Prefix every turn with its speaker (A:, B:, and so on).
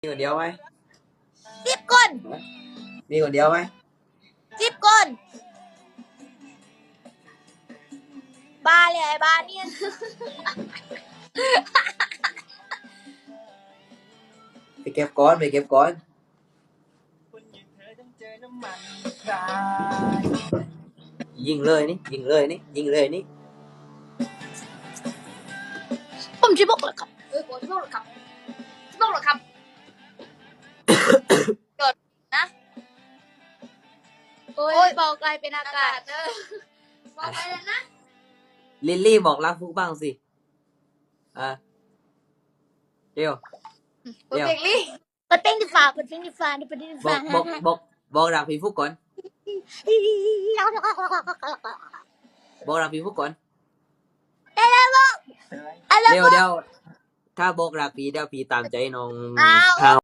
A: คนเดียวไหม
B: 10 คน
A: มีคนเดียวไหม
B: 10 คนบ้าเลยไอ้บ้าเนี่ย
A: ไปเก็บก้อนไปเก็บก้อนยิงเลยนี่ยิงเลยนี่ยิงเลยนี่
B: ผมจะบอกเลยครับผมจะบอกเลยครับจะบอกเลยครับเกิดนะโอ้ยบอกกลายเป็นอากาศบอกไปแล้วนะ
A: ลิลลี่บอกรักฟุกบ้างสิเดี๋ยว
B: เปิดเพลงลี่เปิดเพลงดีฟ้าเปิดเพลงดีฟ้าเปิดเพลงดี
A: บอ
B: ฟ้าก
A: บอกรักพี่ฟุกก่อนบอกรักพี่ฟุกก่อนเดี๋ยวถ้าบอกรักพี่เดี๋ยวพี่ตามใจน้อง
B: อ้าว